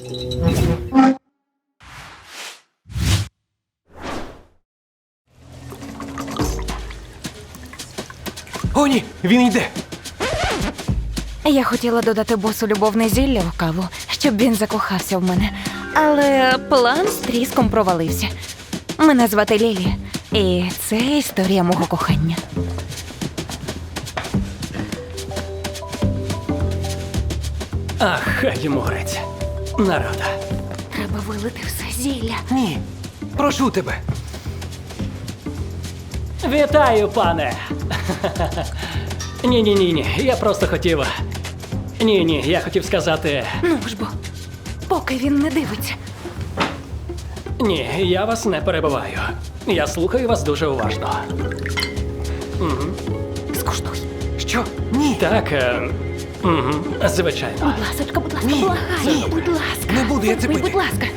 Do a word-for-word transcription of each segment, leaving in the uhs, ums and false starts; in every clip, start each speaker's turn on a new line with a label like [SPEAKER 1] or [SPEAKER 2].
[SPEAKER 1] О, ні! Він йде!
[SPEAKER 2] Я хотіла додати босу любовне зілля в каву, щоб він закохався в мене. Але план з тріском провалився. Мене звати Лілі, і це історія мого кохання.
[SPEAKER 3] Ах, хай йому грець. Нарада.
[SPEAKER 2] Треба вилити все зілля.
[SPEAKER 1] Ні! Прошу тебе!
[SPEAKER 3] Вітаю, пане! Ні-ні-ні, я просто хотів... Ні-ні, я хотів сказати...
[SPEAKER 2] Ну ж бо, поки він не дивиться.
[SPEAKER 3] Ні, я вас не перебиваю. Я слухаю вас дуже уважно.
[SPEAKER 2] Скуштуй.
[SPEAKER 1] Що? Ні!
[SPEAKER 3] Так, е... Угу, звичайно.
[SPEAKER 2] Будь ласочка, будь ласка,
[SPEAKER 1] Ні,
[SPEAKER 2] благаю,
[SPEAKER 1] ні.
[SPEAKER 2] будь ласка.
[SPEAKER 1] Не буду я це
[SPEAKER 2] Випий,
[SPEAKER 1] пити.
[SPEAKER 2] будь ласка.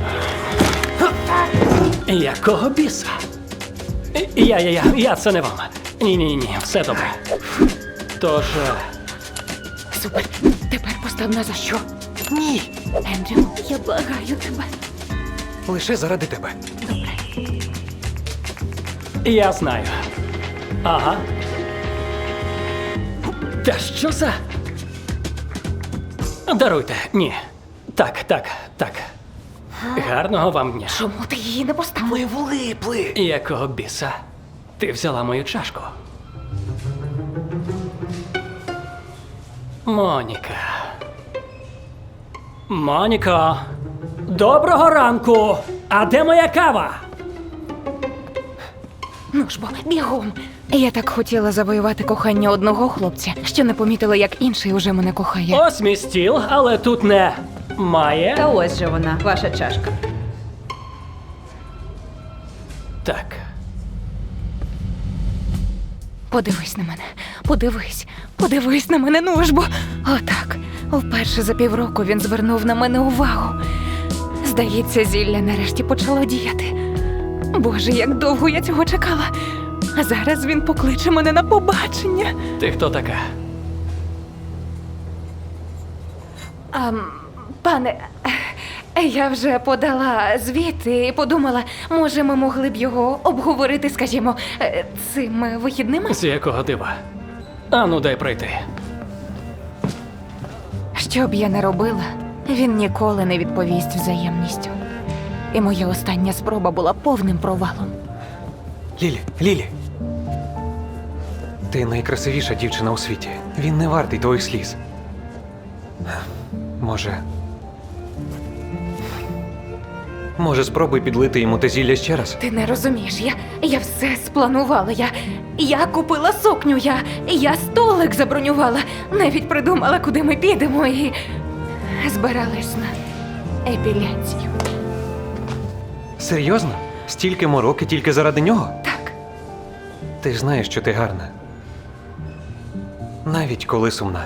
[SPEAKER 3] Якого біса? Я, я, я, я це не вам. Ні-ні-ні, все добре. Тож... е,
[SPEAKER 2] Супер. Тепер постав на за що.
[SPEAKER 1] Ні!
[SPEAKER 2] Ендрю, я благаю тебе.
[SPEAKER 1] Лише заради тебе.
[SPEAKER 3] Я знаю. Ага. Та що за... Даруйте, ні. Так, так, так. Гарного вам дня.
[SPEAKER 2] Чому ти її не поставив?
[SPEAKER 1] Ми влипли!
[SPEAKER 3] Якого біса? Ти взяла мою чашку. Моніка. Моніко. Доброго ранку! А де моя кава?
[SPEAKER 2] Ну ж бо, бігом. Я так хотіла завоювати кохання одного хлопця, що не помітила, як інший уже мене кохає.
[SPEAKER 3] Ось мій стіл, але тут не має.
[SPEAKER 4] Та ось же вона, ваша чашка.
[SPEAKER 3] Так.
[SPEAKER 2] Подивись на мене, подивись, подивись на мене, ну ж бо. Отак. Вперше за півроку він звернув на мене увагу. Здається, зілля нарешті почало діяти. Боже, як довго я цього чекала. А зараз він покличе мене на побачення.
[SPEAKER 3] Ти хто така?
[SPEAKER 2] А, пане, я вже подала звіт і подумала, може, ми могли б його обговорити, скажімо, е, цими вихідними?
[SPEAKER 3] З якого дива? Ану, дай пройти.
[SPEAKER 2] Що б я не робила, він ніколи не відповість взаємністю. І моя остання спроба була повним провалом.
[SPEAKER 1] Лілі, Лілі! Ти найкрасивіша дівчина у світі. Він не вартий твоїх сліз. Може... Може, спробуй підлити йому те зілля ще раз?
[SPEAKER 2] Ти не розумієш, я, я все спланувала. Я, я купила сукню, я, я столик забронювала, навіть придумала, куди ми підемо, і збиралась на епіляцію.
[SPEAKER 1] Серйозно? Стільки мороки тільки заради нього?
[SPEAKER 2] Так,
[SPEAKER 1] Ти ж знаєш, що ти гарна. Навіть коли сумна.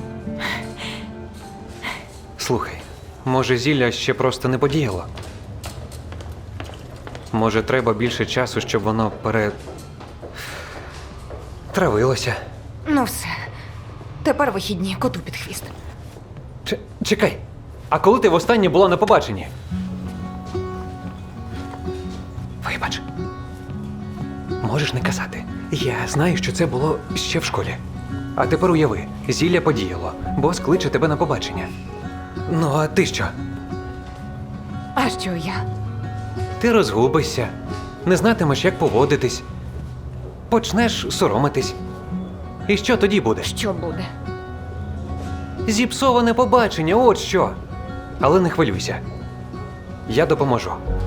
[SPEAKER 1] Слухай, може, зілля ще просто не подіяло? Може, треба більше часу, щоб воно пере... травилося?
[SPEAKER 2] ну все. Тепер вихідні, коту під хвіст.
[SPEAKER 1] Ч- чекай, а коли ти востаннє була на побаченні? Вибач. Можеш не казати. Я знаю, що це було ще в школі. А тепер уяви, зілля подіяло, бос кличе тебе на побачення. Ну, а ти що?
[SPEAKER 2] А що я?
[SPEAKER 1] Ти розгубишся, не знатимеш, як поводитись, почнеш соромитись. І що тоді буде?
[SPEAKER 2] Що буде?
[SPEAKER 1] Зіпсоване побачення, от що. Але не хвилюйся. Я допоможу.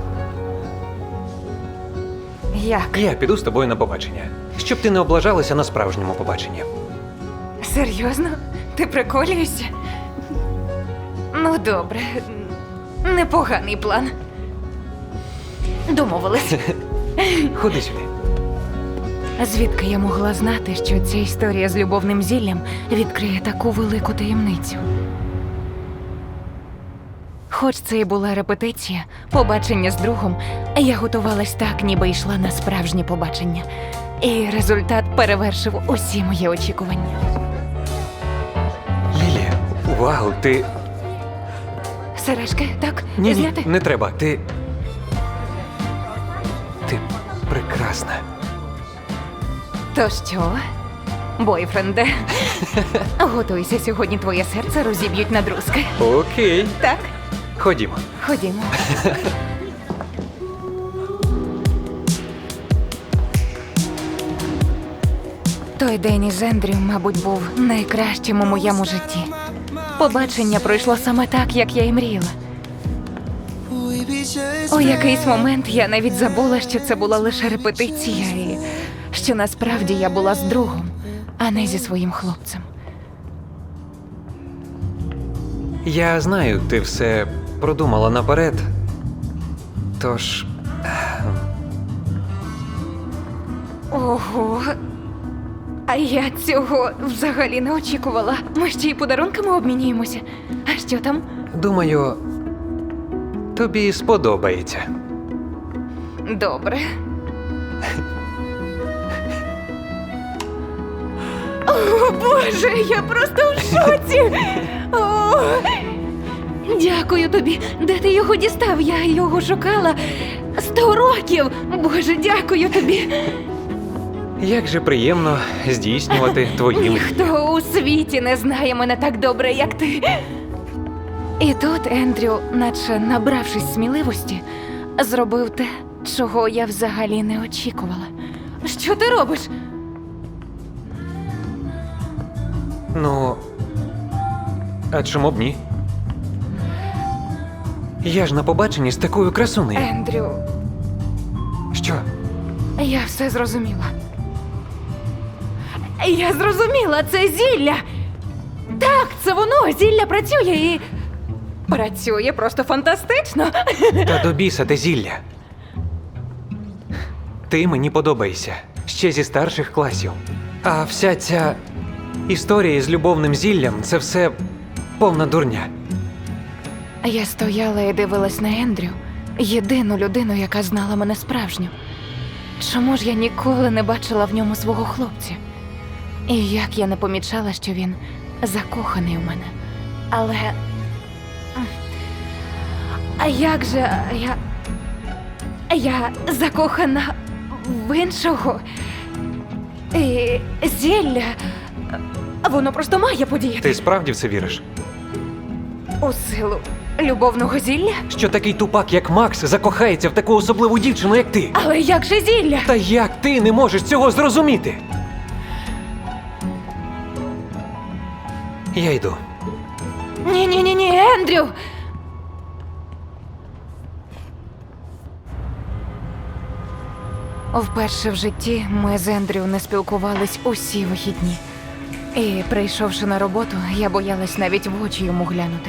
[SPEAKER 2] Як?
[SPEAKER 1] Я піду з тобою на побачення, щоб ти не облажалася на справжньому побаченні.
[SPEAKER 2] Серйозно? Ти приколюєшся? Ну, добре. Непоганий план. Домовились.
[SPEAKER 1] Ходи сюди.
[SPEAKER 2] Звідки я могла знати, що ця історія з любовним зіллям відкриє таку велику таємницю? Хоч це і була репетиція, побачення з другом, я готувалась так, ніби йшла на справжнє побачення. І результат перевершив усі мої очікування.
[SPEAKER 1] Лілія, вау, ти...
[SPEAKER 2] Сережки, так?
[SPEAKER 1] Ні, ні,
[SPEAKER 2] Зняти?
[SPEAKER 1] не треба. Ти. Ти прекрасна.
[SPEAKER 2] То що? Бойфренде, готуйся, сьогодні твоє серце розіб'ють на друзки.
[SPEAKER 1] Окей.
[SPEAKER 2] Так?
[SPEAKER 1] Ходімо.
[SPEAKER 2] Ходімо. Той день із Ендрю, мабуть, був найкращим у моєму житті. Побачення пройшло саме так, як я і мріяла. У якийсь момент я навіть забула, що це була лише репетиція, і що насправді я була з другом, а не зі своїм хлопцем.
[SPEAKER 1] Я знаю, ти все продумала наперед. Тож.
[SPEAKER 2] Ого. А я цього взагалі не очікувала. Ми ще й подарунками обмінюємося. А що там?
[SPEAKER 1] Думаю, тобі сподобається.
[SPEAKER 2] Добре. О, Боже, я просто в шоці. О, дякую тобі. Де ти його дістав? Я його шукала сто років. Боже, дякую тобі.
[SPEAKER 1] Як же приємно здійснювати твої мрії.
[SPEAKER 2] Ніхто у світі не знає мене так добре, як ти. І тут Ендрю, наче набравшись сміливості, зробив те, чого я взагалі не очікувала. Що ти робиш?
[SPEAKER 1] Ну. А чому б ні? Я ж на побаченні з такою красунею.
[SPEAKER 2] Ендрю,
[SPEAKER 1] Що?
[SPEAKER 2] я все зрозуміла. Я зрозуміла, це зілля. Так, це воно, зілля працює і... Працює просто фантастично.
[SPEAKER 1] Та до біса те зілля. Ти мені подобаєшся. Ще зі старших класів. А вся ця історія з любовним зіллям – це все повна дурня.
[SPEAKER 2] Я стояла і дивилась на Ендрю, єдину людину, яка знала мене справжню. Чому ж я ніколи не бачила в ньому свого хлопця? І як я не помічала, що він закоханий у мене. Але... А як же я... Я закохана в іншого. І зілля... Воно просто має подіяти.
[SPEAKER 1] Ти справді в це віриш?
[SPEAKER 2] У силу любовного зілля?
[SPEAKER 1] Що такий тупак, як Макс, закохається в таку особливу дівчину, як ти?
[SPEAKER 2] Але як же зілля?
[SPEAKER 1] Та як ти не можеш цього зрозуміти? Я йду.
[SPEAKER 2] Ні-ні-ні, Ендрю! Вперше в житті ми з Ендрю не спілкувались усі вихідні. І, прийшовши на роботу, я боялась навіть в очі йому глянути.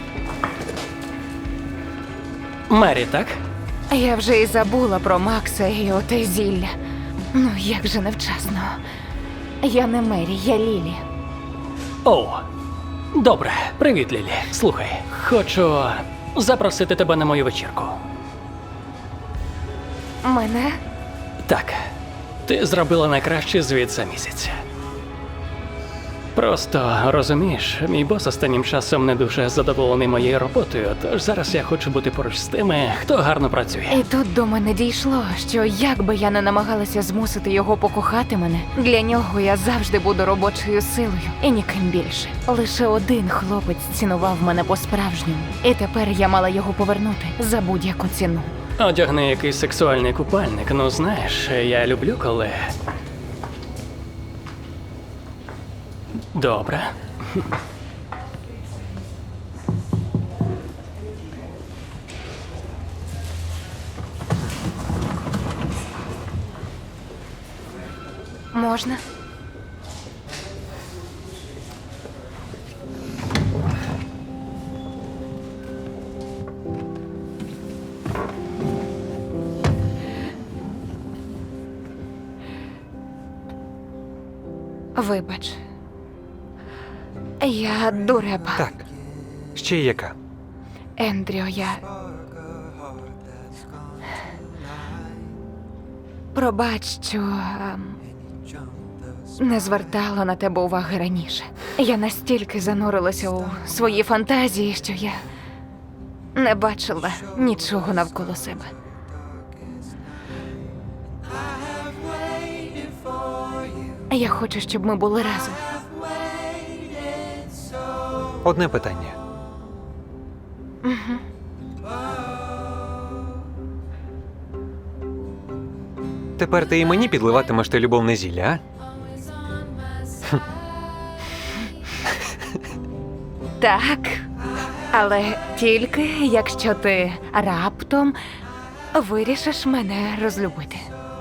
[SPEAKER 3] Мері, так?
[SPEAKER 2] Я вже і забула про Макса і оте зілля. Ну, як же невчасно. Я не Мері, я Лілі.
[SPEAKER 3] Оу. Добре, привіт, Лілі. Слухай, хочу запросити тебе на мою вечірку.
[SPEAKER 2] Мене?
[SPEAKER 3] Так, ти зробила найкращий звіт за місяць. Просто, розумієш, мій бос останнім часом не дуже задоволений моєю роботою, тож зараз я хочу бути поруч з тими, хто гарно працює.
[SPEAKER 2] І тут до мене дійшло, що як би я не намагалася змусити його покохати мене, для нього я завжди буду робочою силою і ніким більше. Лише один хлопець цінував мене по-справжньому, і тепер я мала його повернути за будь-яку ціну.
[SPEAKER 3] Одягни якийсь сексуальний купальник, ну знаєш, я люблю, коли... Добре.
[SPEAKER 2] Можна? Вибач. Я дурепа.
[SPEAKER 1] Так. Ще яка?
[SPEAKER 2] Ендрю, я... Пробач, що ем, не звертала на тебе уваги раніше. Я настільки занурилася у свої фантазії, що я Не бачила нічого навколо себе. Я хочу, щоб ми були разом.
[SPEAKER 1] Одне питання. Тепер ти і мені підливатимеш те любовне зілля, а?
[SPEAKER 2] Так, але тільки якщо ти раптом вирішиш мене розлюбити.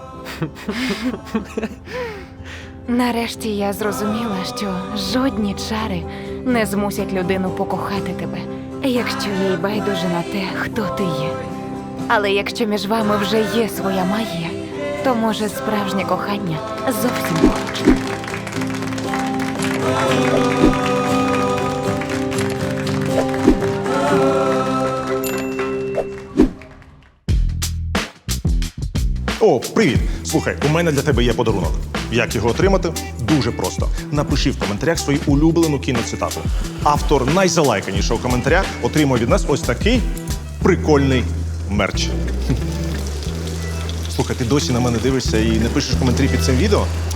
[SPEAKER 2] Нарешті я зрозуміла, що жодні чари не змусять людину покохати тебе, якщо їй байдуже на те, хто ти є. Але якщо між вами вже є своя магія, то може справжнє кохання зовсім поруч.
[SPEAKER 5] О, привіт! Слухай, у мене для тебе є подарунок. Як його отримати? Дуже просто. Напиши в коментарях свою улюблену кіноцитату. Автор найзалайканішого коментаря отримує від нас ось такий прикольний мерч. Слухай, ти досі на мене дивишся і не пишеш коментарі під цим відео?